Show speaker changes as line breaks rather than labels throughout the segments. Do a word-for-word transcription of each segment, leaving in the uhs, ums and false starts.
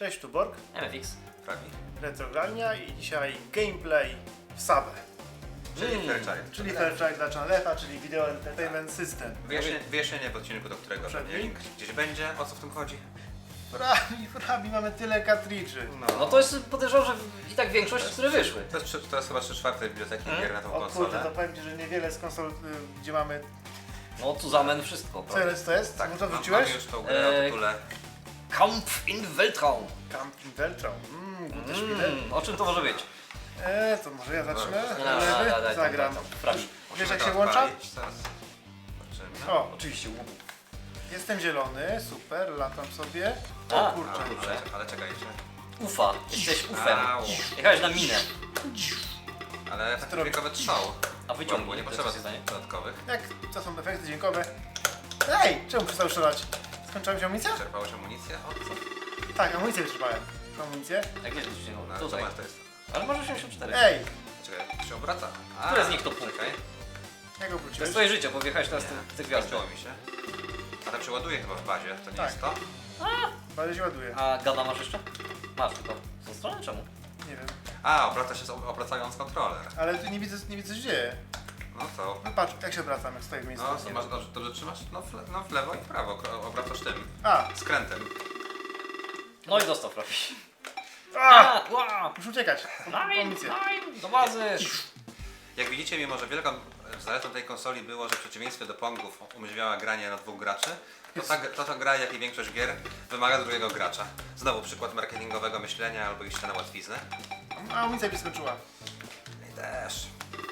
Cześć, tu Borg,
M F X.
Fragi.
Retrogrania i dzisiaj gameplay w Sabę,
Czyli
Mm.
Fairchild.
czyli Fairchild dla Chanlefa, czyli Video Entertainment System.
Wyjaśnienie, wyjaśnienie w odcinku, do którego
Przed
pewnie
nim?
link gdzieś będzie. O co w tym chodzi?
Frabi, frabi, mamy tyle kartridży.
No to jest, podejrzewam, że i tak większość, które wyszły.
To jest, trzy- to jest chyba trzy czwarte biblioteki
Hmm?
gier na tą
O kurde,
konsolę.
to powiem Ci, że niewiele z konsol, y, gdzie mamy...
No Zusammen wszystko,
Co
prawda?
jest to jest?
Tak,
Co to
mam-
wrzuciłeś?
Mamy już tą grę o
Eee,
tytule.
Kampf in Weltraum.
Camp in Weltraum. Mmm, gute Spiele.
Mm, o czym to może być?
Eee, to może ja zacznę?
No,
no,
Lewy?
daj, daj,
Zagram.
daj, daj, Frabi.
Wiesz
Musimy
jak
to
się włącza?
odpalić, zaraz zobaczymy.
O,
Oczywiście łubu.
jestem zielony, super, latam sobie.
A,
O
A,
kurczę.
kurczę.
ale, ale czekajcie.
Ufa, jesteś ufem.
Au.
Jechałeś na minę.
Ale efekty dźwiękowe trwał.
A wyciągnij,
Bo nie
to
potrzeba
co się stanie?
dodatkowych.
Jak to są efekty dźwiękowe? Ej, czemu przestał strzelać? Skończyła mi się amunicja?
Czerpałeś amunicję? O co?
Tak, amunicję wyczerpałem. Amunicję?
Jak wiesz, gdzieś
No,
nie
co
Tutaj.
masz to jest?
Ale masz osiemdziesiąt cztery.
Ej,
Czekaj, to się obraca. A,
Które z nich to punkty?
Czekaj.
jak go
To
wróciłeś?
jest twoje życie, bo wjechałeś teraz
Nie,
w te gwiazdy.
skończyło mi się. Ale przeładuje chyba w bazie, to nie
Tak.
jest to?
Bardzo się ładuje.
A gada masz jeszcze? Masz tylko. Z tą stronę czemu?
Nie wiem.
A, obraca się z- obracając kontroler.
Ale tu nie widzę, nie widzę co się dzieje.
No to...
No patrz, jak się obracam, jak stoję w miejscu.
No, to masz, dobrze, dobrze trzymasz? No w, le, no w lewo i w prawo, kro- obracasz tym
A,
skrętem.
No i dostał Frabi.
a!
A, ła!
Muszę uciekać.
Nein,
Amunicję.
nein, do bazy!
Jak widzicie, mimo że wielką zaletą tej konsoli było, że w przeciwieństwie do Pongów umożliwiała granie na dwóch graczy, to ta, to ta gra, jak i większość gier, wymaga drugiego gracza. Znowu przykład marketingowego myślenia albo iść na łatwiznę.
A, amunicja mi skończyła.
I też.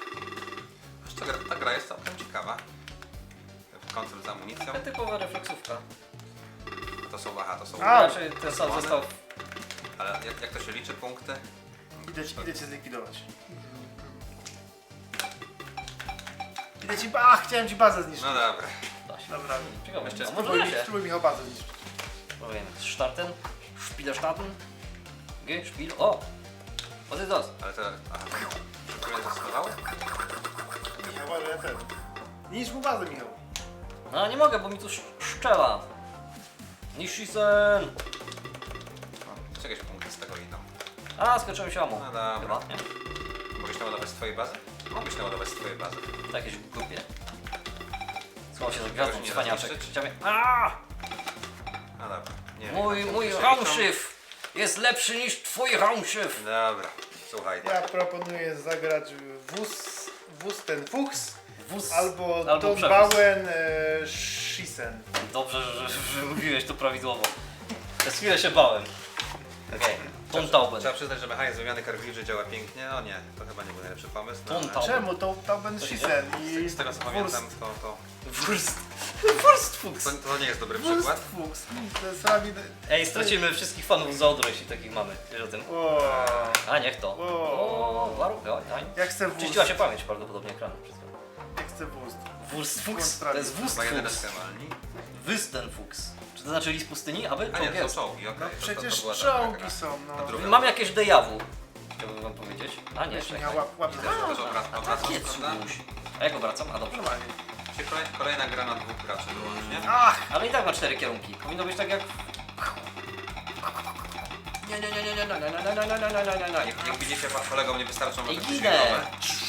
Aż ta, gra, ta gra jest całkiem ciekawa. Kontrol z amunicją.
Taka typowa refleksówka.
To są, aha, to są...
A!
Raczej ten sam zestaw.
Ale jak, jak to się liczy, punkty?
Idę, ci- idę cię zlikwidować. Idę ci... A, chciałem ci bazę zniszczyć.
No dobra.
Da się.
Dobra.
Ciekawe,
Jeszcze
a może
Spróbuj,
da się.
spróbuj Michał bazę zniszczyć.
Powiem, starten, Spielestarten, G, Spiel, o! Was ist das?
Ale to... Aha. Szybko zastosowały?
Michał, ale ja ten. Niszcz mu bazę, Michał.
No nie mogę, bo mi tu sz- szczela. Nishisen!
O, jakieś punkty z tego idą.
A, skończyłem się amu.
No dobra.
Chyba, nie?
Mogłeś naładować z twojej bazy? Mogłeś naładować z twojej bazy.
To jakieś głupie. Schował się za gwiazdą,
Tego się nie
cwaniaczek.
zniszczyć?
Chciałem... Aaa!
No dobra. Nie wiem,
Mój,
jak to
mój
się
Raumschiff jest lepszy niż twój Raumschiff!
liczą. Dobra, słuchaj.
Ja proponuję zagrać wóz, wóz ten Fuchs
Wóz
albo,
albo
Don
przewóz.
Bauen e, Schiessen.
Dobrze, że, że, że mówiłeś to prawidłowo. Przez chwilę się bałem. Okej, Tom Tauben.
Trzeba przyznać, że mechanizm wymiany kartridży działa pięknie. O nie, to chyba nie był najlepszy pomysł. No,
Tom
ale
Tauben.
Czemu? To Tauben
To się
Schiessen i
z tego co
Wurst.
pamiętam, to, to,
Wurst. Wurst Fuchs.
to, to nie jest dobry
Wurst
przykład.
Fuchs. To jest sami...
Ej, stracimy wszystkich fanów z Odry, jeśli takich mamy. Wiesz o tym?
O,
A, niech to.
O.
O, warunkaj, oj, tań.
ja chcę wóz.
Czyściła się pamięć prawdopodobnie ekranu przed chwilą.
Ja chcę wóz.
Wurst Fuchs. To jest Wurst
Chyba jeden
Fuchs.
ekstremalni.
Wysten Fuchs. Czy to znaczy lis pustyni? Aby?
A
Czołg
nie, to
jest.
są czołgi, okej.
No
to- to- to
przecież
była ta gra.
czołgi są,
Ta
no.
druga.
Mam jakieś dejawu. Chciałbym wam powiedzieć. A nie,
Weź
czekaj.
Michał, łap, łap.
Też, też obra- obracasz,
Nie
prawda?
cuś. A jak obracam? A dobrze.
Normalnie.
Czyli kolej- Kolejna gra na dwóch graczy wyłącznie.
Ach!
Ale i tak ma cztery kierunki. Powinno być tak jak... Nie, nie, nie, nie, nie, nie, nie, nie, nie, nie, nie, nie, nie, nie.
Jak, jak widzicie, wam kolegom nie wystarczą
Ej,
efekty
ginę.
dźwiękowe.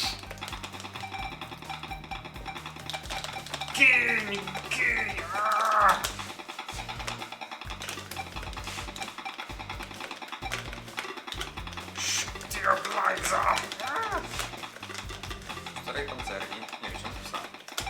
Kill! Kill! Ah! Stabilizer!
W której koncerni? Nie wiem, czy napisałem.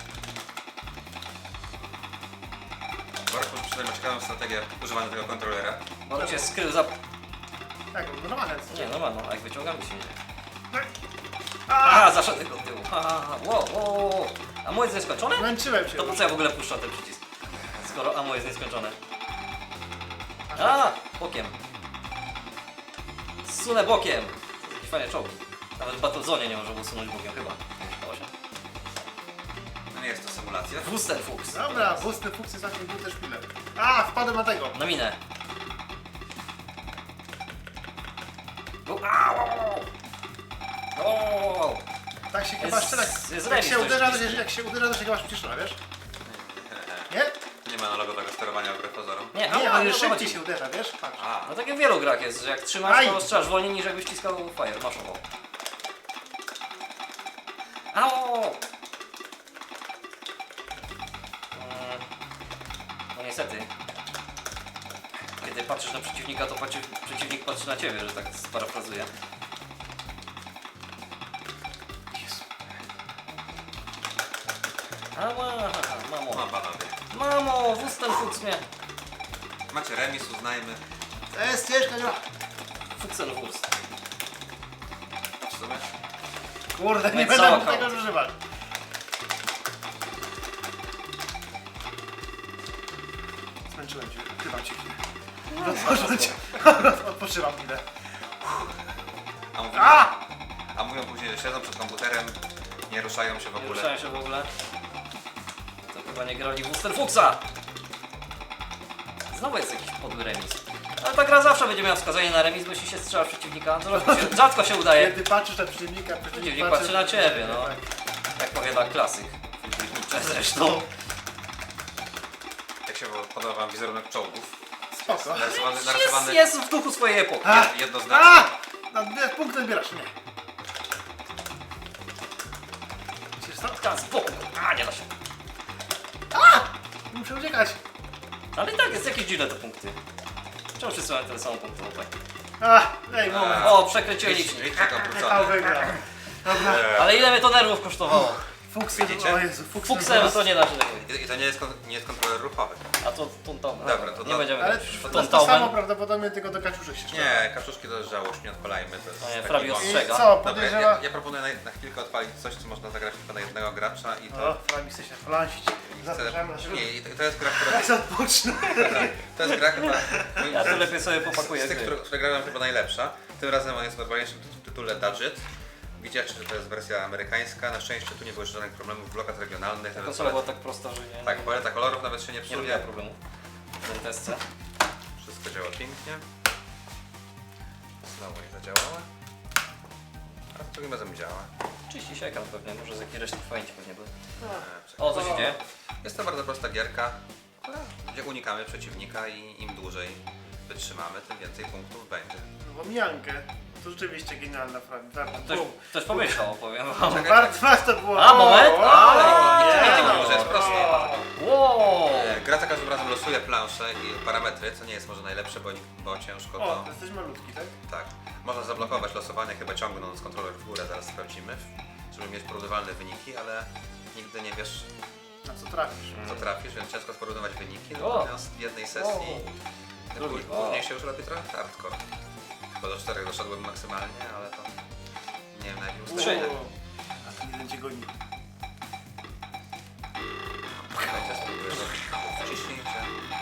Borku przynajmniej ma ciekawą strategię używania tego kontrolera.
Może się skrył za...
Tak, normalne.
Nie, no ma, no, a jak wyciągam, to się nie...
No.
Aha, zaszedł tego tyłu. Aha, wow, wow, wow. A moje jest nieskończone?
Zmęczyłem się.
To po co ja w ogóle puszczam ten przycisk? Skoro amo jest nieskończone. A, bokiem. Zsunę bokiem. To jakieś fajne czołgi. Nawet w Battlezone nie można było sunąć bokiem, chyba. Dało się.
No nie jest to symulacja.
Wusten Fuchs.
Dobra, wózny fuksy znacznie gute szpile. A, wpadłem na tego.
Na minę. Go. Au! O!
Tak się chyba
Jest-
strzela.
jest
Jak
remis,
się
to
uderza,
jest
to się, jak się uderza, to się chyba przycisza, wiesz? Nie?
nie ma analogowego sterowania wbrew pozorom?
Nie,
Nie,
a,
ale
nie, o to
szybciej
chodzi.
się uderza, wiesz? Patrz.
A,
No tak jak w wielu grach jest, że jak trzymasz,
Aj!
to strzelasz wolniej niż jakbyś ściskał fire, maszowo. Au! Mm, No niestety. Kiedy patrzysz na przeciwnika, to patrzy, przeciwnik patrzy na ciebie, że tak sparafrazuję.
Jezu.
Ała, mamo.
no panowie.
Mamo, Wusten Fuchs mnie.
Macie remis, uznajmy.
To jest ciężka gra.
Fuchsenwurst.
W sumie.
Kurde, nie
No i
będę
co,
mógł tego
koło?
używać. Zmęczyłem cię, ukrywam cię chwilę. Rozpocząłem cię. Odpoczywam chwilę.
A mówią,
A!
a mówią później, że siedzą przed komputerem, nie ruszają się w
Nie
ogóle.
ruszałem się w ogóle. To chyba nie grali w Wusten Fuchsa. Znowu jest jakiś podły remis. Ale ta gra zawsze będzie miała wskazanie na remis, bo jeśli się strzela w przeciwnika, to rzadko się, rzadko się udaje.
Kiedy patrzysz na przeciwnika,
Przeciwnik patrzy na ciebie, no.
Tak.
Jak powiada klasyk. Zresztą.
Jak się podoba wam wizerunek czołgów?
Spoko.
Narysowany,
Jest,
narysowany
jest w duchu swojej epoki.
A!
jed- jednoznacznie.
A! Na dwie punkty odbierasz, nie. Widzisz co?
Tam z boku. A, nie da się.
Muszę uciekać.
Ale i tak jest jakieś dziwne te punkty. Czemu wszyscy mają ten sam punkt? No tak.
A, daj moment.
O, przekręciłem
Licznik,
licznik.
licznik
Michał
obrócony.
wygrał. Dobra.
Ale ile mnie to nerwów kosztowało?
Fuksem,
Widzicie?
o Jezu, fuksem.
Fuksem to nie da się tego.
I, I to nie jest, kon, nie jest kontroler ruchowy.
A to tuntał.
Dobra, to
nie
do-
będziemy
Ale
grać w
to, to samo
tuntauben.
prawdopodobnie, tylko do kaczuszek się strzela.
Nie, kaczuszki to jest żałość, nie odpalajmy. To jest
No nie,
taki
Flavio
bonus.
I
ostrzega.
co,
Dobra, ja,
podejrzewa...
ja, ja proponuję na, na chwilkę odpalić coś, co można zagrać tylko na jednego gracza i to...
O, Flami chce się flansić. Zapraszamy na środek.
Nie, i to, to jest gra, która...
Ja sobie odpocznę.
To jest gra chyba... moim
Ja to
zdaniem
lepiej sobie
z
popakuję
tych,
gry.
które, które grałem chyba najlepsza. Tym razem on jest w normalniejszym tytu- tytule Dudget. Widzicie, że to jest wersja amerykańska. Na szczęście tu nie było jeszcze żadnych problemów w blokach regionalnych.
Ta
Nawet
konsola była tak prosta, że nie,
Tak, paleta kolorów nawet się nie
nie
psuje.
robiła problemu. W tym testce.
Wszystko działa pięknie. Znowu nie zadziałało. A drugim razem działa.
trzydzieści się ekran pewnie, może z jakiej reszty pamięci pewnie były.
E,
O, co się dzieje?
Jest to bardzo prosta gierka, gdzie unikamy przeciwnika i im dłużej wytrzymamy, tym więcej punktów będzie.
Bo mijankę. To rzeczywiście genialna Flami. Warto
Ktoś,
było.
ktoś pomyślał, powiem wam.
Warto, warto było.
A, moment!
O,
A,
o,
nie,
Nie,
nie,
nie
nie,
mimo, że jest prosto.
Wow!
E, Gra za każdym razem losuje planszę i parametry, co nie jest może najlepsze, bo, bo ciężko
O,
to...
to jesteś malutki, tak?
Tak. Można zablokować losowanie, chyba ciągnąc kontroler w górę, zaraz sprawdzimy, żeby mieć porównywalne wyniki, ale nigdy nie wiesz,
Na co trafisz?
co trafisz, więc ciężko sporównywać wyniki,
O.
natomiast w jednej sesji
Drugi.
Później,
O.
później się już robi trochę hardcore. Chyba do czterech doszedłem maksymalnie, ale to nie wiem na jakim
Trzy.
ustawieniu.
A ten jeden cię goni.
Słuchajcie, spróbuję zrobić wciśnięcie.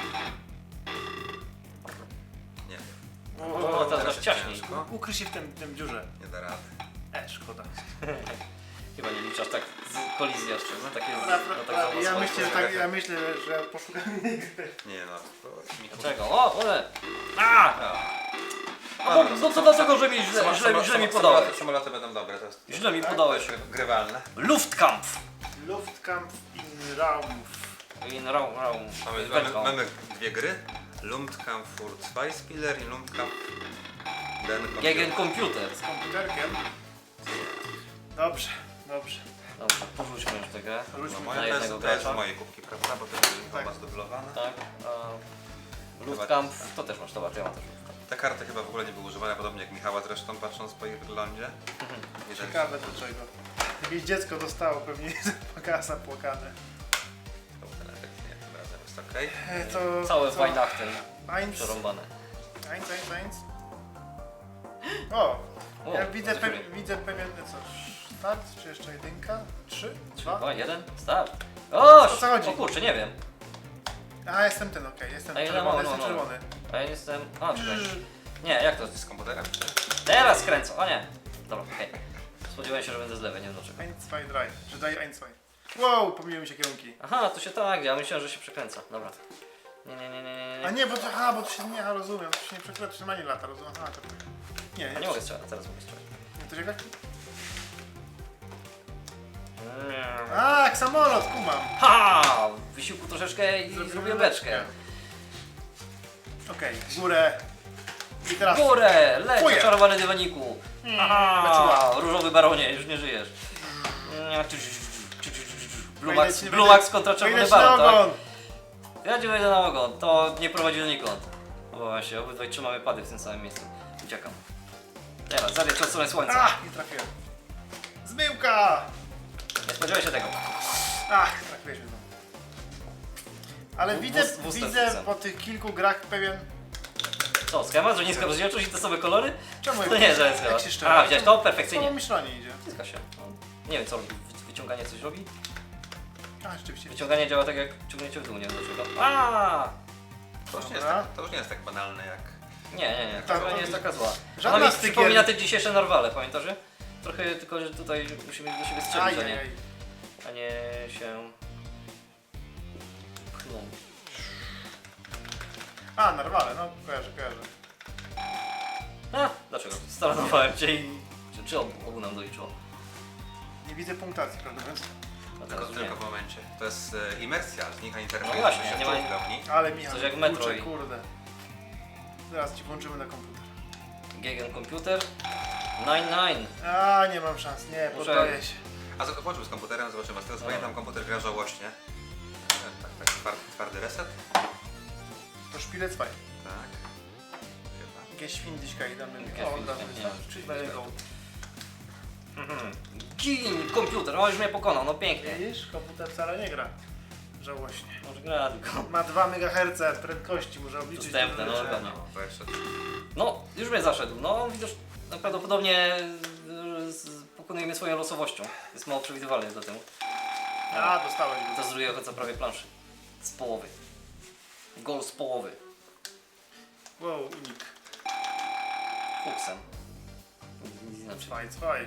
Nie wiem,
O, teraz masz
jest
ciaśniej.
ciężko.
Ukryj się w tym, tym dziurze.
Nie da rady.
E, szkoda.
Chyba nie liczasz tak z kolizji jeszcze, no takie z,
Dobra,
no, tak
dobra,
samo
ja
swoje
myślę, że
kolizje.
tak, ja myślę, że poszukam innej gry.
Nie no, to mi
Dlaczego? O, ole! A!
A,
A bo, no to dlaczego, że mi źle,
Samo-
źle,
samo-
źle mi
samo-
podałeś?
samoloty- Samoloty będą dobre, to jest
Źle mi
Tak?
podałeś.
grywalne.
Luftkampf!
Luftkampf in Raumf.
In Raum, Raum.
Mamy, mamy, mamy dwie gry. Luftkampf für Zweispieler i Luftkampf den Computer.
Gegen Computer.
Z komputerkiem. Dobrze, dobrze.
Dobrze, porzućmy już tę grę.
No
Wróćmy
moja
Na
to jest,
jednego
to jest
gracza.
moje kubki, prawda? Bo to jest
Tak.
chyba zdublowane.
Tak. A Luftkampf, to też masz, dobra, to ja mam też Luftkampf.
Te karty chyba w ogóle nie były używane, podobnie jak Michała zresztą, patrząc po ich wyglądzie. Widać,
Ciekawe do czego. Jakieś dziecko dostało pewnie pakasa płakane.
to był ten efekt, nie, tym razem jest okej.
E, to...
Całe
co?
Weihnachten
Eins,
przerąbane.
eins, eins, eins. O!
O,
Ja widzę,
dziękuję.
pe widzę pewien... Co? Start? Czy jeszcze jedynka? Trzy? Dwa?
Dwa, jeden, start. O,
O co chodzi?
o kurczę, nie wiem.
A, jestem ten, okej, jestem
A ile
czerwony,
mam?
jestem
No, no.
czerwony.
A ja jestem... A, czekaj. Nie, jak to?
Z komputerem, czy?
Teraz kręcę, o nie. Dobra, okej. Spodziewałem się, że będę z lewej, nie wiem dlaczego.
Eins, zwei, drei. Czy daj eins, zwei. Wow, pomyliły mi się kierunki.
Aha, to się tak dzieje, a myślałem, że się przekręca. Dobra. Nie, nie, nie, nie, nie.
A nie, bo to, aha, bo to się nie, aha, rozumiem, to się nie przekręca, to się ma nie lata, rozumiem, aha, to... Nie,
A
nie,
nie mogę strzelać, teraz mogę strzelać.
nie, to czekaj. A, jak samolot, kumam.
Ha! wysiłku troszeczkę i
Zrobimy
zrobiłem beczkę.
Okej, w górę. I teraz...
Górę! Leć,
Fuję.
czarowany dywaniku! Aha,
beczuła.
różowy baronie, już nie żyjesz. Blue
Wejdę
Max,
ci-
Blue
wejdę-
Max kontra czerwony
wejdę ci na
baron, tak?
ogon.
Ja ci wejdę na ogon, to nie prowadzi donikąd. O właśnie, obydwaj trzymamy pady w tym samym miejscu. Uciekam. Teraz, zabieg przed stronę słońca.
Ach, nie trafiłem. Zmyłka!
Nie spodziewaj się tego.
Ach, trafiłeś mnie znowu. Ale
W-
widzę,
w- w ustęp
widzę
wrzucam.
po tych kilku grach pewien...
Co, schemat, że niska rozdzielczość i te same kolory?
Czemu?
To nie, że jest
jak
schemat.
się szczera?
A, widziałeś to?
Samo
Perfekcyjnie.
myślenie idzie.
Zgadza się. No, nie wiem co robi, Wy- wyciąganie coś robi?
A, rzeczywiście.
Wyciąganie działa tak jak ciągnięcie w dół, nie wiem dlaczego. Aaa!
To już, nie jest
Dobra.
tak, to już nie jest tak banalne jak...
Nie, nie, nie,
Tak,
to
to
nie jest taka zła.
żadna
Ona mi
stykier-
przypomina te dzisiejsze narwale, pamiętasz? że? Trochę tylko, że tutaj musimy do siebie strzelić, a nie,
Ajajaj.
a nie się pchnąć.
A, narwale, no kojarzę, kojarzę.
A, dlaczego? Staranowałem cię i... Czy, czy obu, obu nam doliczyło?
Nie widzę punktacji, prawda więc?
No
Tylko,
teraz już nie.
tylko w momencie. To jest e, imersja, znika interfejs,
No właśnie,
że się
nie
nie
ma-
w pełni.
Ale Michał,
Coś jak
kurczę,
Metroid.
kurde. Zaraz ci włączymy na komputer.
Gegen komputer. dziewięćdziesiąt dziewięć.
A, nie mam szans, nie,
Muszę-
poddaję się.
A z- włączył z komputerem, zobaczymy. Z tego co
No.
pamiętam, komputer gra żałośnie. E, Tak, tak, twardy, twardy reset.
To szpilec fajny.
Tak. Chyba.
Geschwindigkeit damy.
Geschwindigkeit,
O,
nie.
damy, czyli daję go.
Gin komputer, o już mnie pokonał, no pięknie.
Widzisz, komputer wcale nie gra. Żałośnie.
Może gra tylko.
Ma dwa megaherce prędkości, może obliczyć.
Dostępne,
te
no,
rzeczy.
dokładnie.
No, to jeszcze...
No, już mnie zaszedł. No, widzisz, no, prawdopodobnie y, z- pokonujemy swoją losowością. Jest mało przewidywalny do temu.
A, dostałeś go.
To z drugiego końca prawie planszy. Z połowy. Gol z połowy.
Wow, unik.
Fuksem. Nic inaczej.
Cwaj, cwaj.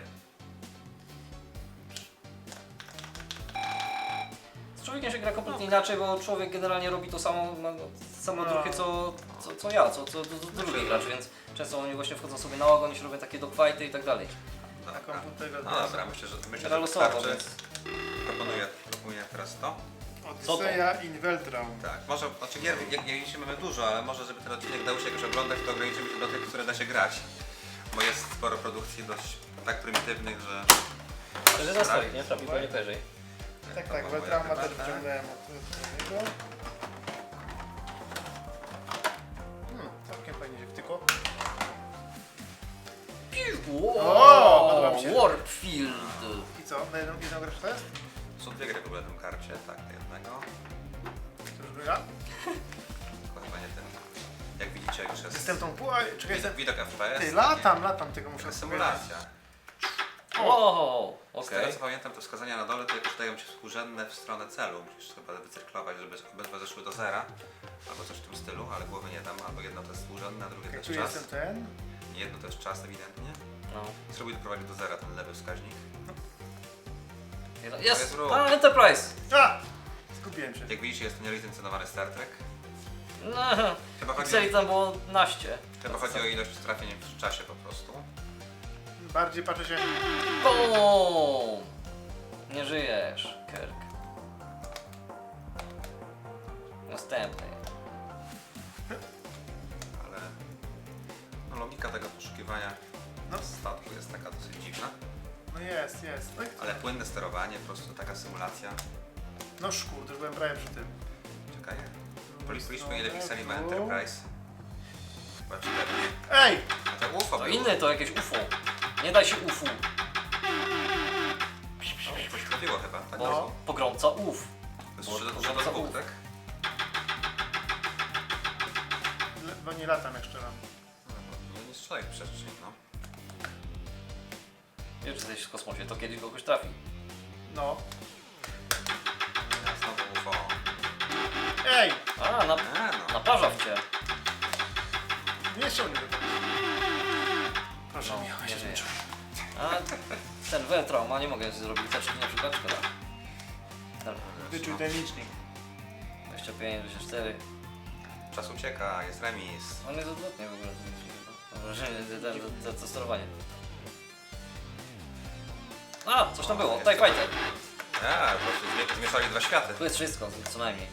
Z człowiekiem się gra kompletnie inaczej, bo człowiek generalnie robi to samo, ma same
No.
odruchy co, co, co ja, co, co, co, co drugi gracz, więc często oni właśnie wchodzą sobie na ogon i się robią takie dogfighty i tak dalej.
Na
Dobra.
komputerze.
No dobra, myślę, że myślę,
Gra
że
losowa,
wystarczy.
więc...
Proponuję, proponuję teraz to.
Odyseja in Weltraum.
Tak, może, znaczy gier, jak, jak dzisiaj mamy dużo, ale może żeby ten odcinek dał się jakoś oglądać, to ograniczymy się do tych, które da się grać. Bo jest sporo produkcji dość tak prymitywnych, że...
To jest na stolik, nie? Trafi pewnie wyżej.
Tak,
to
tak,
była
Weltrauma
moja
też
herbatę.
wyciągnąłem od niego. Hmm, całkiem fajnie się wtykło. O, podoba mi się.
Warpfield!
I co? Na jedną, jedną grę to jest?
Są dwie gry w ogóle na tym karcie, tak, do jednego.
To już gra?
Tylko chyba nie ten. Jak widzicie już jest
Jestem tą pół... a, Czekaj,
widok,
jestem...
widok F P S.
Ty,
taki-
latam, latam, tego muszę
taka
sobie...
symulacja.
O,
Z
okej.
tego co pamiętam, to wskazania na dole to jakoś dają ci współrzędne w stronę celu. Musisz chyba wycyrklować, żeby obydwa zeszły do zera. Albo coś w tym stylu, ale głowy nie dam. Albo jedno to jest współrzędne, a drugie to
Jak
jest
tu
czas.
jestem ten...
Jedno to jest czas ewidentnie.
No.
Spróbuj doprowadzić do zera ten lewy wskaźnik.
Jest!
jest ruch.
A, Enterprise!
A! Zgubiłem się.
Jak widzicie jest to nielicencjonowany Star Trek.
No,
Chyba chodzi,
pikseli
o,
tam było naście.
chyba chodzi o ilość trafień w czasie po prostu.
Bardziej patrzę się...
Boom! Nie żyjesz, Kirk. Następny.
Ale no, logika tego poszukiwania
No.
statku jest taka dosyć dziwna.
No jest, jest. No, i...
Ale płynne sterowanie, po prostu taka symulacja.
no szkód, już byłem prawie przy tym.
Czekaj. Poli- Policzmy ile pikseli ma Enterprise. Chyba cztery.
Ej!
A to U F O
To
było.
inny to jakieś U F O. Nie daj się U F O,
No, coś trafiło chyba, tak?
bo
No.
pogromca U F.
To jest
bo-
trzy do-
bo
trzy do
za
dwóch,
U.
tak?
Bo nie latam jak szczeram.
No, bo nie strzelaj w przestrzeń, no.
Wiesz, że jesteś w kosmosie, to kiedyś kogoś trafi.
No.
Ja znowu U F O.
Ej!
A, na,
E, no.
naparza w cię.
Nie ściągnę go. Proszę,
No,
Michał, ja
nie
się
żyje.
zmęczyłem.
A ten Weltraum, a nie mogę zrobić teczki na przykład, szkoda. Dobra,
Wyczuj ten licznik.
dwadzieścia pięć, dwadzieścia cztery.
Czas ucieka, jest remis.
On jest odwrotnie w ogóle. ten licznik, no. Mam wrażenie, że to- to- to- to sterowanie. A, coś tam było, TIE Fighter.
TIE A, po prostu zmie- zmieszali dwa światy.
Tu jest wszystko, co najmniej.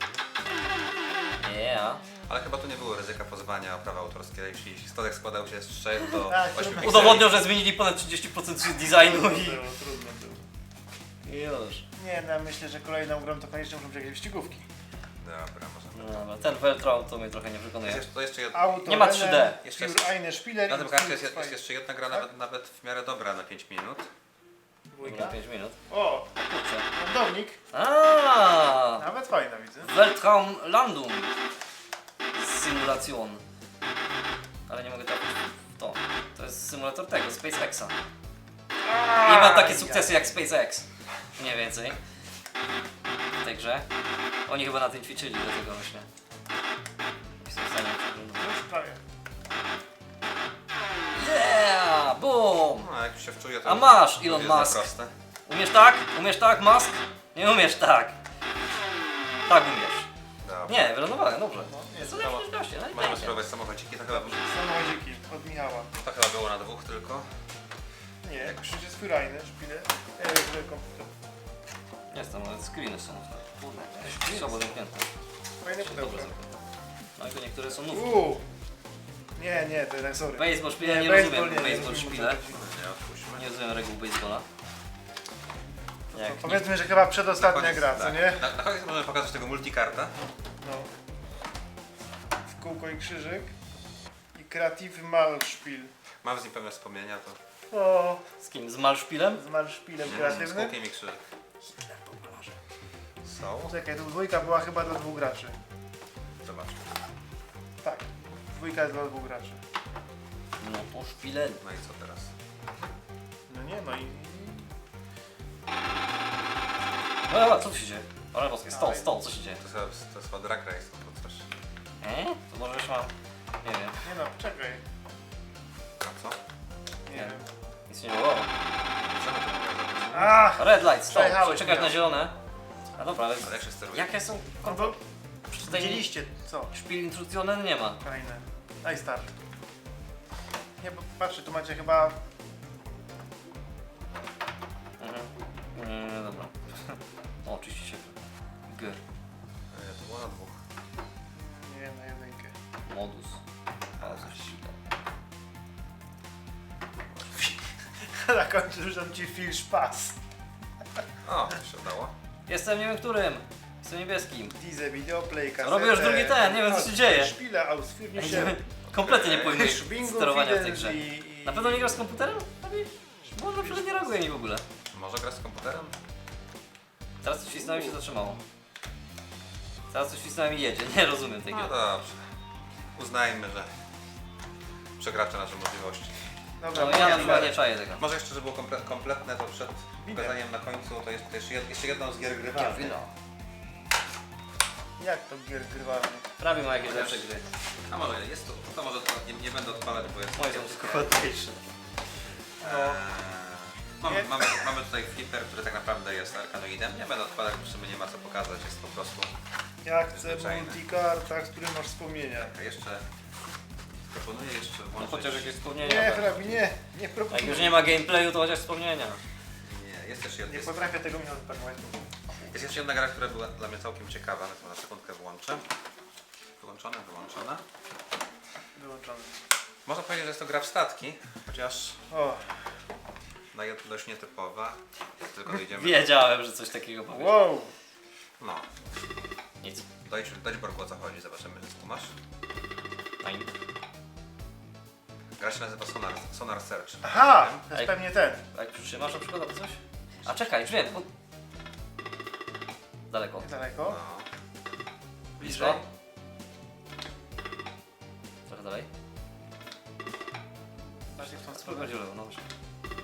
Yeah.
Ale chyba tu nie było ryzyka pozwania o prawa autorskie, jeśli stodek składał się z trzech do
Tak,
ośmiu
trudno.
pikseli.
Udowodnią, że zmienili ponad trzydzieści procent designu i...
Było, trudno było.
i już.
Nie, no myślę, że kolejną grą to koniecznie muszą być jakieś wyścigówki.
Dobra, może.
No, dobra, ten Veltron to mnie trochę nie przekonuje.
Jest jeszcze, to jeszcze jedna.
Auto,
Nie ma
Rennen,
trzy D.
Jeszcze
Pure
jest-
Eine Spieler
Na
i
tym karcie jest,
Pure
jest jeszcze jedna gra nawet, nawet w miarę dobra na pięć minut.
Dwójka.
pięć minut.
O,
Kurczę.
lądownik.
Aaa!
Nawet fajna widzę.
Weltraum Landung. Simulation. Ale nie mogę trafić w to. To jest symulator tego, SpaceXa. I ma takie sukcesy jak SpaceX. Mniej więcej. W tej grze. Oni chyba na tym ćwiczyli, dlatego myślę. I są w stanie przeglądać.
Już prawie.
Yeah! Boom!
No, jak się wczuje, to
A masz,
to
Elon
jest za
Musk.
proste.
Umiesz tak? Umiesz tak, Musk? Nie umiesz tak. Tak umiesz.
Dobra.
Nie, wylądowałem, dobrze.
No,
Jest to
to-
lepsze goście, no i
Możemy
pięknie.
spróbować samochodziki, to chyba,
Samochodziki od Michała.
to chyba było na dwóch tylko.
Nie, jakoś jest Pure Eine Spieler. Ja już komputer.
Jest tam, ale screeny są. Kurde, słabo zamknięte.
Fajne
Dobrze
pudełko.
zamknięte. No i to niektóre są nówki.
Uuu. Nie, nie, to jest sorry.
Baseball szpile, nie,
baseball
rozumiem
nie,
baseball
nie rozumiem,
szpile.
o co chodzi.
Nie, odpuśćmy.
Nie rozumiem reguł baseballa. Jak nie.
Powiedzmy, że chyba
Na
przedostatnia
koniec-
gra, co
tak.
nie?
Na, na koniec możemy pokazać tego multikarta.
No. W kółko i krzyżyk. I Creative Malspiel.
Mam z nim pewne wspomnienia, to
O,
Z kim? Z Malszpilem?
z Malspielem
z
kreatywnym.
kółkiem i krzyżyk. Są.
Czekaj, tu dwójka była chyba dla dwóch graczy.
Zobaczmy.
Tak, dwójka jest dla dwóch graczy.
No po szpile.
No i co teraz?
No nie, no i...
No, co tu się dzieje? Ale boskie, stąd, stąd, co się dzieje?
To jest, to jest chyba drag race albo coś.
E? To może już mam... Nie wiem,
Nie no, czekaj.
A co?
Nie
Nie.
wiem.
nic nie było.
Co my tu mogę zrobić?
Ach!
Red light, stop,
Przejechałeś
czekać
mnie.
na zielone. A dobra, ale
Ale jak się steruje?
jakie są
No bo
tutaj
widzieliście, co?
szpil instrukcjonen nie ma.
Fajne. Daj start. Nie, bo patrzcie, tu macie chyba...
Mhm. Nie, dobra. O, oczywiście się. G.
Nie, to było na dwóch.
Nie, na jedynkę.
Modus. A, coś.
Na końcu rzucam ci Phil Spass.
O, to się udało.
Jestem nie wiem którym. Jestem niebieskim.
Diese Videoplay, kasetę...
Robię już drugi ten, nie wiem, co się dzieje.
Szpile, ausführnie się...
Kompletnie nie pojmuję
Schwingu,
sterowania w tej
Widens
grze.
i... i...
Na pewno nie grasz z komputerem? Bo na przykład nie reaguje mi w ogóle.
Może grać z komputerem?
Teraz coś wcisnąłem i się zatrzymało. Teraz coś wcisnąłem i jedzie. Nie rozumiem tej gry.
No dobrze. Uznajmy, że przekracza nasze możliwości.
Dobra,
No ja na
nie,
przykład nie czaję tego.
Może jeszcze, żeby było komple kompletne, to przed
Widzę.
pokazaniem na końcu, to jest jeszcze, jed jeszcze jedną z gier grywalnych.
Jak to gier grywalne?
Prawie ma jakieś lepsze gry.
A może jest to, to może to nie, nie będę odpalać, bo jest...
Moje są tylko ładniejsze.
Eee, mamy,
Nie.
mamy, mamy tutaj flipper, który tak naprawdę jest arkanoidem. Nie będę odpalać, bo w sumie nie ma co pokazać, jest po prostu...
Ja chcę
Zwyczajne.
multikartach, z którym masz wspomnienia.
A jeszcze... Proponuję jeszcze
No
włączyć...
chociaż jakieś wspomnienia.
Nie,
tak.
Hrabi, nie, nie
Jak
proponuję.
już nie ma gameplayu, to chociaż wspomnienia.
Nie, jest jeszcze
Nie
jedna... Jest,
potrafię tego mi odpakować.
jest jeszcze jedna gra, która była dla mnie całkiem ciekawa, więc na sekundkę wyłączę. Wyłączone, wyłączone.
Wyłączony.
Można powiedzieć, że jest to gra w statki, chociaż
O,
no, jest dość nietypowa. Jak tylko dojdziemy...
Wiedziałem, że coś takiego powiesz.
wow.
No,
Nic.
dojdź, dojdź Borgu, o co chodzi, zobaczymy, czy skumasz.
Fajnie.
Gra się nazywa Sonar, Sonar Search.
Aha, to jest
Ej.
pewnie ten.
A jak przytrzymasz na przykład albo coś? A czekaj, już wiem. Bo... Daleko.
Daleko.
No.
Blisko. Trochę dalej.
Bardziej w tą stronę.
Spróbuj lewo, no właśnie.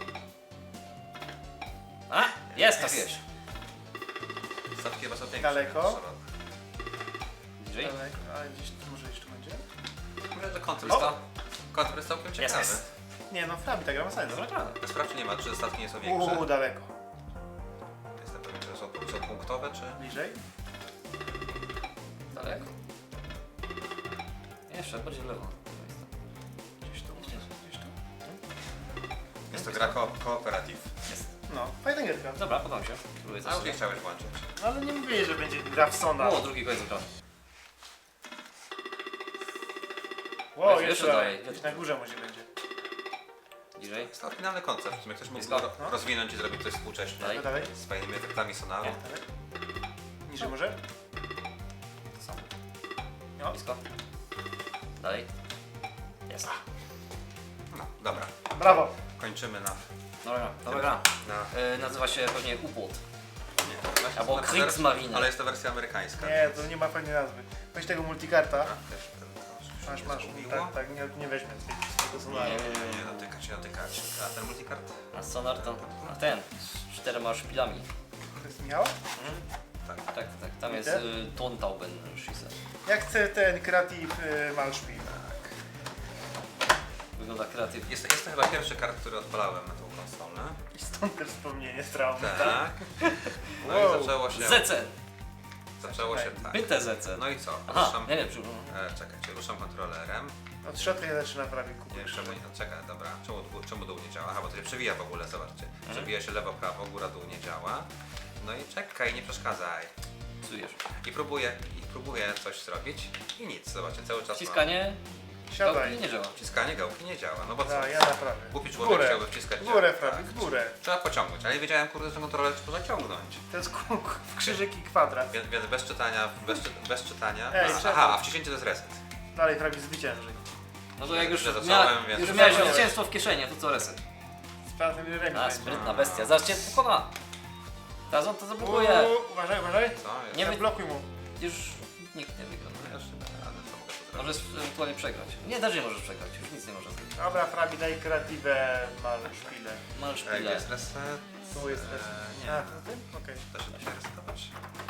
A! Jest, tak jest.
Statki chyba są większe.
Daleko?
niż szerokie.
Bliżej.
Daleko, ale gdzieś tu może jeszcze będzie?
Mówię, że koncept,
Blisko.
koncept jest całkiem
Jest,
ciekawy.
jest.
Nie no, Hrabi, ta gra ma sens.
Dobra, gra.
Sprawdź, czy nie ma, czy statki nie są większe.
Uuu, daleko.
Jestem pewien, że są, są punktowe, czy...
Bliżej?
Daleko. Jeszcze, bardziej w lewo.
Gdzieś tu,
Gdzieś.
gdzieś tu.
Jest to gra ko kooperatyw.
Jest.
No, Fajna gierka.
Dobra, podoba mi się. Spróbuję
A już nie
coś.
chciałeś włączyć.
No, ale nie mówię, że będzie gra w Sona.
O, drugi koniec ekranu.
Wow,
Weź,
jeszcze
jeszcze
dalej.
dalej.
Gdzieś na górze może będzie.
Bliżej.
Jest to oryginalny koncept. W sumie ktoś mógł
Blisko.
ro-
No.
rozwinąć i zrobić coś współcześnie.
Dalej.
No dalej.
Z fajnymi efektami sonaru.
Nie.
Dalej. Niżej może?
To samo.
No.
Blisko. Dalej. Jest.
No, dobra.
Brawo.
Kończymy na...
Dobra, dobra gra.
na...
E, nazywa się pewnie U-Boot.
Nie, właśnie
Albo
to na-
Kriegsmarine.
Ale jest to wersja amerykańska.
Nie, to nie ma fajnej nazwy. Weź tego multikarta.
A, też ten- to
Masz,
się
masz.
zgubiło.
Tak, tak, nie, nie weźmie z tego
Nie,
Sona.
nie, nie,
Nie
nie.
dotykać, nie dotykać. A ten multikart?
A sonar to... A ten. Z czterema szpilami.
To jest Michała?
Tak.
Tak, tak, tak. Tam jest
Widzę.
y, Tontauben Schisse.
Ja chcę ten Creative y, Malspiel.
Wygląda kreatywnie.
Jest, jest to chyba pierwszy kart, który odpalałem na tą konsolę.
I stąd też wspomnienie z traumy.
Tak. No
Wow.
i zaczęło się...
Z C!
Zaczęło się tak.
Byte Z C.
No i co?
Aha,
Ruszam...
nie wiem, przepraszam.
E, czekajcie, ruszam kontrolerem.
Od środka nie zaczyna prawie kupić.
Nie, czemu nie? Czekaj, dobra. Czemu, dół- czemu dół nie działa? Aha, bo to się przewija w ogóle, zobaczcie.
Mhm.
Przewija się lewo, prawo, góra, dół nie działa. No i czekaj, nie przeszkadzaj.
Psujesz.
I próbuję, i próbuję coś zrobić i nic, zobaczcie, cały czas
Wciskanie...
Siadaj.
gałki nie działa.
mam... Wciskanie gałki nie działa, no bo co?
No, ja naprawię.
Głupi
W
człowiek
górę.
chciałby wciskać...
W górę,
tak.
Frabi, w górę.
Trzeba pociągnąć, ale nie wiedziałem, kurde, że ten kontroler trzeba zaciągnąć.
To jest kółk w krzyżyk i kwadrat.
Więc, więc bez czytania, bez, czy, bez czytania...
Ej,
a,
czekaj.
aha, a wciśnięcie to jest reset.
Dalej Frabi zwycięży.
No to jak już,
Ja zacząłem,
mia...
więc-
już miałeś
Zacząłeś.
zwycięstwo w kieszeni, to co reset?
Sprawdzam ile ręki
A,
będzie.
sprytna bestia. Zobaczcie, pokona. Teraz on to zablokuje.
Uuu, Uważaj, uważaj.
Co? Jest?
Nie
Nie
wy-
blokuj mu.
Już nikt nie wygra.
Ja już nie będę rady, co mogę tu zrobić.
Możesz ewentualnie przegrać. Nie, też nie możesz przegrać, już nic nie możesz zrobić.
Dobra, Frabi, daj kreatywę Malspiele.
Masz
Ej, gdzie
chwilę.
jest reset?
Tu jest reset.
Eee, nie.
A, to ty? Okej.
Da się da się resetować?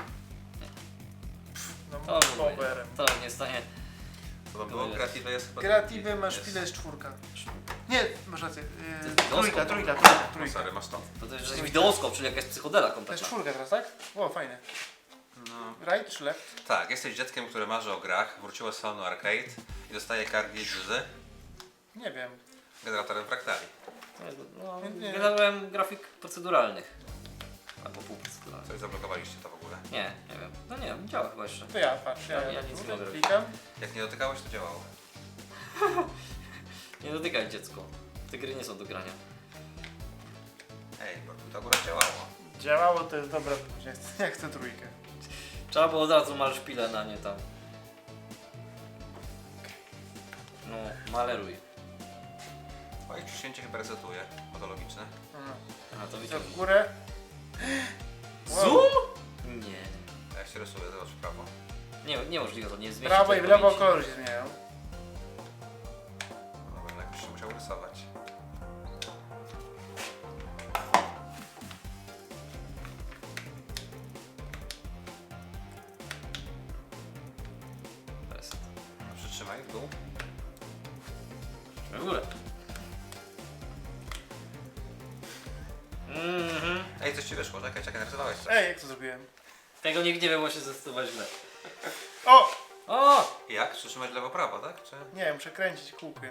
No,
To,
powerem.
to nie stanie.
To było kreatywne No, jest chyba...
Kreatywy
drugi.
masz
Jest-
chwilę jest czwórka. Nie, masz rację.
To
Yy,
jest
trójka,
widoskop.
trójka, trójka,
No
trójka.
sorry, masz to.
To, to jest wideoskop, czyli jakaś psychodela
To jest
kompletna.
czwórka teraz, tak? O, fajne.
No.
Right czy left?
Tak, jesteś dzieckiem, które marzy o grach, wróciło z salonu arcade i dostaje cartridge z
Nie wiem.
generatorem fraktali.
No,
Nie, nie.
generałem grafik proceduralnych. Albo półproceduralnych.
Coś zablokowaliście to w ogóle.
Nie, nie wiem. No nie wiem, działa chyba jeszcze.
To ja, patrz, ja,
Ja- ja
ja
nic
tu
nie mogę robić.
klikam.
Jak nie dotykałeś, to działało.
Nie dotykaj dziecko. Te gry nie są do grania.
Ej, bo to akurat działało.
Działało, to jest dobra odpowiedź. Ja chcę, ja chcę trójkę.
Trzeba było od razu mal szpilę na nie tam. No, maleruj.
Twoje wciśnięcie chyba resetuje, bo to logiczne.
Aha.
Aha, to
Co
widziałem.
w górę?
Zoom? Nie.
A jak się rysuje, zobacz w prawo.
Nie, niemożliwe to, nie zmieści
Prawo i
tej
w lewo
pamięci.
kolory się zmieniają.
No będę jakoś się musiał rysować.
Reset.
Przytrzymaj w dół.
W górę. Mhm.
Ej, coś ci wyszło, czekaj, czekaj, narysowałeś coś.
Ej, jak to zrobiłem?
Tego nigdy nie wiem, bo się zdecydować źle.
O!
O!
Jak? Przytrzymać lewo, prawo, tak? Czy...
Nie wiem, przekręcić kółkiem.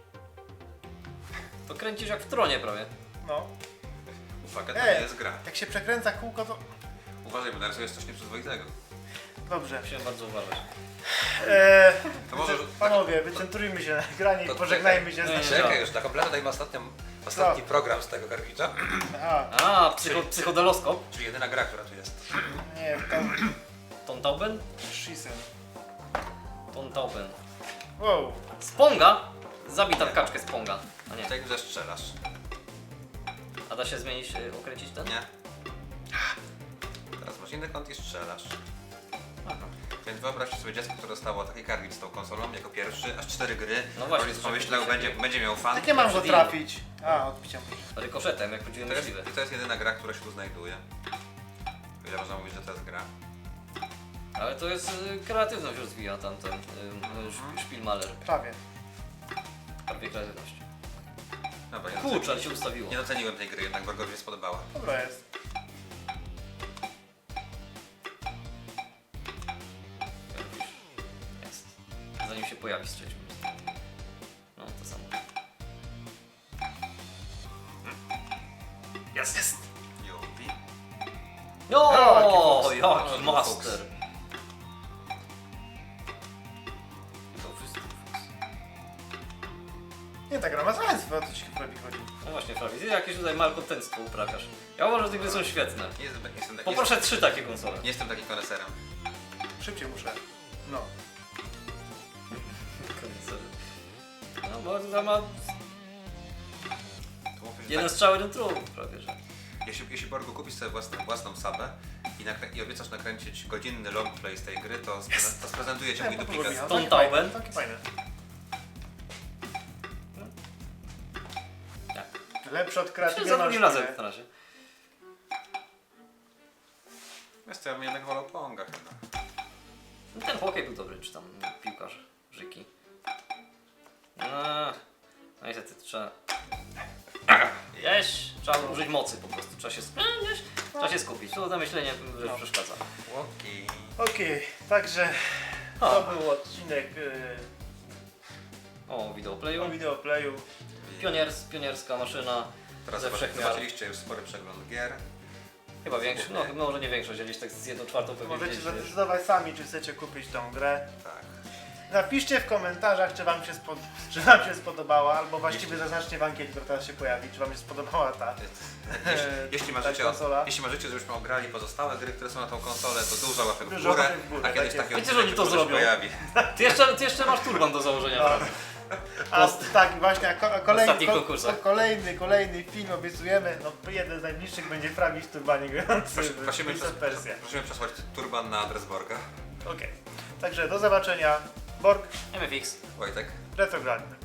To kręcisz jak w tronie prawie.
No.
Uwaga, to
Ej.
nie jest gra.
Jak się przekręca kółko, to...
Uważaj, bo narysujesz coś nieprzyzwoitego.
Dobrze.
Musimy bardzo uważać.
Eee,
To może...
panowie, wycentrujmy się na ekranie i
To
pożegnajmy się z
czekaj.
naszym...
Nie,
Czekaj, już na kompletę dajmy ostatnią, ostatni program z tego karwicza.
Aha,
A, psycho, psychodeloskop.
Czyli jedyna gra, która tu jest.
nie, tam...
Tontauben?
Shisen.
Tontauben.
Wow.
Sponga? Zabij tam kaczkę Sponga. A nie.
Tutaj zestrzelasz.
A da się zmienić, y, okręcić ten?
Nie? Teraz masz inny kąt i strzelasz.
Aha.
Więc wyobraźcie sobie dziecko, które dostało taki karwicz z tą konsolą jako pierwszy, aż cztery gry.
No właśnie,
Rodzic
to
pomyślał,
się-
będzie, będzie miał fan.
Jak nie mam go
Przed
trafić? A, odbicia muszę.
Rykoszetem, jak prawdziwy
To jest,
myśliwy.
I to jest jedyna gra, która się tu znajduje. Ile można mówić, że to jest gra?
Ale to jest y, kreatywność rozwija tamten y, y, Spielmaler.
Prawie.
Prawie kreatywność.
Dobra, nie,
Kurczę,
doceni-
ale się ustawiło.
nie doceniłem tej gry, jednak Borgowi się spodobała.
Dobra jest.
Jest. Zanim się pojawi z trzecim. No, to samo.
Jest, jest.
Już.
Jaki
No,
master! To wszystko.
Nie, ta gra ma sens, bo o co ci robi chodzi.
No właśnie, Frawi, ty jakieś tutaj malkontentstwo uprawiasz. Ja uważam, że te gry są świetne.
Nie jestem, nie jestem, nie
Poproszę trzy takie konsole.
jestem, nie jestem takim koneserem.
Szybciej muszę. No.
Konsole. No bo to ma
To mówię, że
jeden
tak,
strzał, jeden trup prawie, że.
jeśli, jeśli Borgu kupisz sobie własną, własną sabę i, nakrę- i obiecasz nakręcić godzinny longplay z tej gry, to, spreze- to sprezentuję ci mój
Nie,
duplikat.
podoba mi się.
Stone
Takie fajne,
Tauben.
Takie fajne.
Tak.
Lepsze od
Czy
kreatywnej
za drugim razem
maszty.
na razie.
Wiesz co, ja bym jednak wolał Ponga chyba.
No ten hokej był dobry, czy tam piłkarz, Żyki. No, no niestety trzeba... Jeś, trzeba użyć mocy po prostu, trzeba się, sp... Jeś, trzeba się skupić, to zamyślenie
No.
przeszkadza.
Łoki.
Okej, także
O.
to był odcinek
O,
yy,
wideoplayu.
o videoplayu.
Pioniers, pionierska maszyna
Teraz
ze
zobaczy-
wszechmiar.
zobaczyliście już spory przegląd gier.
Chyba większość, no chyba może nie większość, gdzieś tak z jedną czwartą pewnie
Możecie
gdzieś jest.
zadecydować sami, czy chcecie kupić tą grę.
Tak.
Napiszcie w komentarzach, czy wam się, spod... czy wam się spodobała, albo właściwie zaznaczcie w ankiecie, która teraz się pojawi, czy wam się spodobała ta.
Jeśli, jeśli,
ta
marzycie
konsola.
o, jeśli marzycie, żebyśmy ograli pozostałe gry, które są na tą konsolę, to dużo łapek w
Dużo
górę,
łapek w górę,
a kiedyś
tak
taki
jest.
Wiecie, że oni
odcinek
to
już
zrobią.
pojawi.
Ty jeszcze, ty jeszcze masz turban do założenia,
No.
prawda?
A tak, właśnie, a ko- a kolejny,
ostatnich konkursach.
kolejny, kolejny film obiecujemy, no jeden z najbliższych będzie Frawi w turbanie grający
Prosi-
w
Prosimy,
Prince of
przes-
Persia.
prosimy przesłać turban na adres Borga.
Okej, także do zobaczenia. Borg,
M F X.
Wojtek.
Retrograd.